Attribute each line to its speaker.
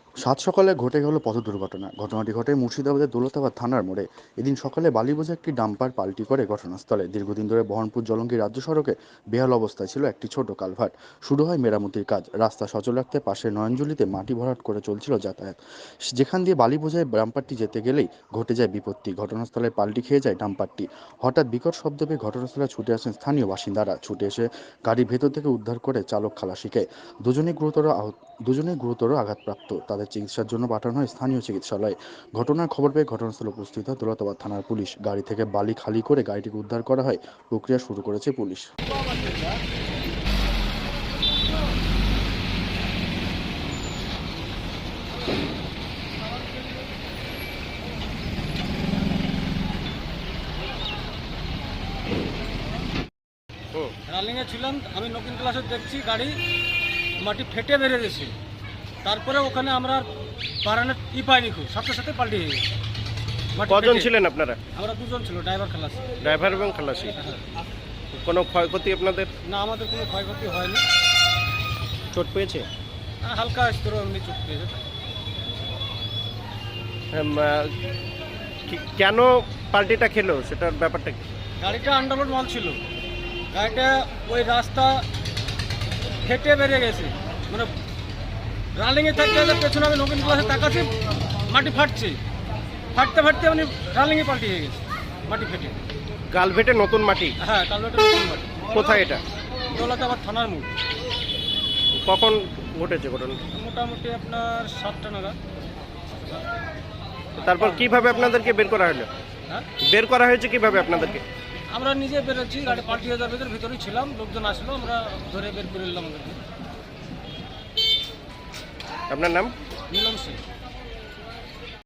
Speaker 1: সাত সকালে ঘটে গেল পথ দুর্ঘটনা। ঘটনাটি ঘটে মুর্শিদাবাদের দৌলতাবাদ থানার মোড়ে। এদিন সকালে বালি বোঝা একটি ডাম্পার পাল্টি করে ঘটনাস্থলে। দীর্ঘদিন ধরে বহরমপুর জলঙ্গি রাজ্য সড়কে বেহাল অবস্থায় ছিল একটি ছোট কালভার্ট। শুরু হয় মেরামতির কাজ। রাস্তা সচল রাখতে পাশে নয়নজুলিতে মাটি ভরাট করে চলছিল যাতায়াত। যেখান দিয়ে বালি বোঝায় ডাম্পারটি যেতে গেলেই ঘটে যায় বিপত্তি। ঘটনাস্থলে পাল্টি খেয়ে যায় ডাম্পারটি। হঠাৎ বিকট শব্দ পেয়ে ঘটনাস্থলে ছুটে আসেন স্থানীয় বাসিন্দারা। ছুটে এসে গাড়ির ভেতর থেকে উদ্ধার করে চালক খালাসিকে। দুজনেই গুরুতর আহত দুজনেই গুরুতর আঘাতপ্রাপ্ত। তাদের চিকিৎসার জন্য পাঠানো হয় স্থানীয় চিকিৎসালয়ে। ঘটনার খবর পেয়ে ঘটনাস্থলে উপস্থিত হয় দৌলতাবাদ থানার পুলিশ। গাড়ি থেকে বালি খালি করে গাড়িটিকে উদ্ধার করা হয়। প্রক্রিয়া শুরু করেছে পুলিশ।
Speaker 2: রানিংয়ে ছিলাম আমি, নতুন ক্লাসে দেখছি গাড়ি মাটি ফেটে বেরিয়ে গেছে। তারপরে ওখানে আমরা বারানের পাইনি, খুব সাথে সাথে পাল্টি হয়ে গেছে। মাটি
Speaker 3: কজন
Speaker 2: ফেটে।
Speaker 3: ছিলেন আপনারা?
Speaker 2: আমরা দুজন ছিল, ড্রাইভার খালাসি।
Speaker 3: ড্রাইভার এবং খালাসি। কোনো ক্ষয়ক্ষতি আপনাদের?
Speaker 2: না, আমাদের কোনো ক্ষয়ক্ষতি হয়নি।
Speaker 3: চোট পেয়েছে?
Speaker 2: হালকা স্তর এমনি চোট পেয়েছে।
Speaker 3: কেন পাল্টিটা খেলো সেটার ব্যাপারটা কি?
Speaker 2: গাড়িটা আন্ডারলোড মাল ছিল। গাড়িটা ওই রাস্তা ফেটে বেরিয়ে গেছে, মানে রানিংয়ে থাকতে পেছনে আমি নতুন ক্লাসে তাকাচ্ছি, মাটি ফাটছে। ফাটতে ফাটতে মানে রানিংয়ে পাল্টি হয়ে গেছে, মাটি ফেটে।
Speaker 3: কালভেটে নতুন মাটি?
Speaker 2: হ্যাঁ, কালভার্টে নতুন মাটি।
Speaker 3: কোথায় এটা?
Speaker 2: দৌলতাবাদ থানার মোড়।
Speaker 3: কখন ঘটেছে ঘটনা?
Speaker 2: মোটামুটি আপনার 7টা নাগাদ।
Speaker 3: তারপর কিভাবে আপনাদেরকে বের করা হলো?
Speaker 2: হ্যাঁ,
Speaker 3: বের করা হয়েছে কিভাবে আপনাদেরকে?
Speaker 2: আমরা নিজে বেরোচ্ছি, গাড়ি পাল্টি হয়ে যাওয়ার ভিতরেই ছিলাম, লোকজন আসলো, আমরা ধরে বের করে নিলাম আমাদেরকে।
Speaker 3: আপনার নাম?
Speaker 2: মিলন সিং।